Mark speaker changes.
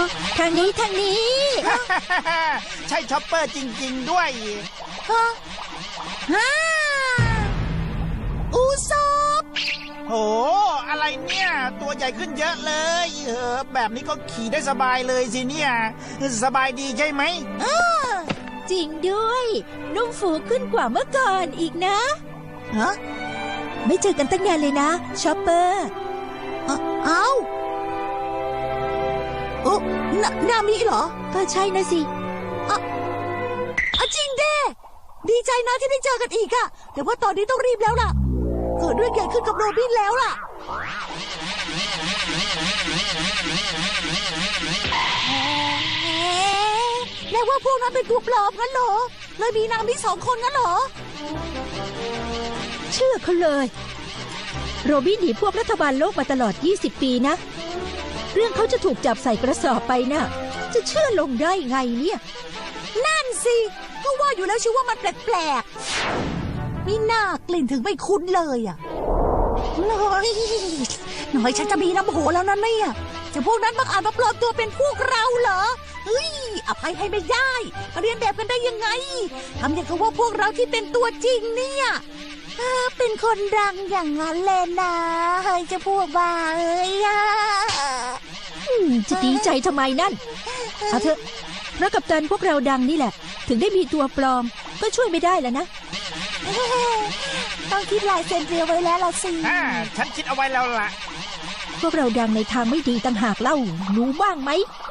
Speaker 1: ทางนี้ทางนี้
Speaker 2: ใช่ช็อปเปอร์จริงๆด้วย
Speaker 1: ฮ่าอูซบ
Speaker 2: โหอะไรเนี่ยตัวใหญ่ขึ้นเยอะเลยแบบนี้ก็ขี่ได้สบายเลยสิเนี่ยสบายดีใช่ไหม
Speaker 1: จริงด้วยนุ่มฟูขึ้นกว่าเมื่อก่อนอีกนะ
Speaker 3: ฮะ
Speaker 1: ไม่เจอกันตั้งนานเลยนะชอปเปอร์
Speaker 3: เอ้าโอ้นามิเหรอ
Speaker 1: ก็ใช่นะสิ
Speaker 3: จริงเด้ดีใจนะที่ได้เจอกันอีกอะแต่ว่าตอนนี้ต้องรีบแล้วล่ะเกิดเรื่องใหญ่ขึ้นกับโรบินแล้วล่ะแม่ว่าพวกนั้นเป็นตัวปลอมงั้นเหรอเลยมีนามิ2 คนงั้นเหรอ
Speaker 1: เชื่อเขาเลย โรบินหนีพวกรัฐบาลโลกมาตลอด20 ปีนะ เรื่องเขาจะถูกจับใส่กระสอบไปนะ่ะจะเชื่อลงได้ไงเนี่ย
Speaker 3: นั่นสิก็ว่าอยู่แล้วชื่อว่ามันแปลกๆมีหน้ากลิ่นถึงไม่คุ้นเลยอ่ะน้อยฉันจะมีน้ำโหแล้วนะเนี่ยจะพวกนั้นบังอาจมาปลอมตัวเป็นพวกเราเหรอเฮ้ยอภัยให้ไม่ได้มาเรียนแบบกันได้ยังไงทำอย่างกับว่าพวกเราที่เป็นตัวจริงเนี่ยเป็นคนดังอย่างนั้นเลยนะเฮ้ยจะพวกบ้าเอ้ย
Speaker 1: จะดีใจทำไมนั่นเอาเถอะเพราะกัปตันพวกเราดังนี่แหละ ถึงได้มีตัวปลอมก็ช่วยไม่ได้แล้วนะ
Speaker 3: ต้องคิดลายเซ็นเรียวไว้แล้วล่ะสิ
Speaker 2: ฉันคิดเอาไว้แล้วล่ะ
Speaker 1: พวกเราดังในทางไม่ดีต่างหากเล่ารู้บ้างไหม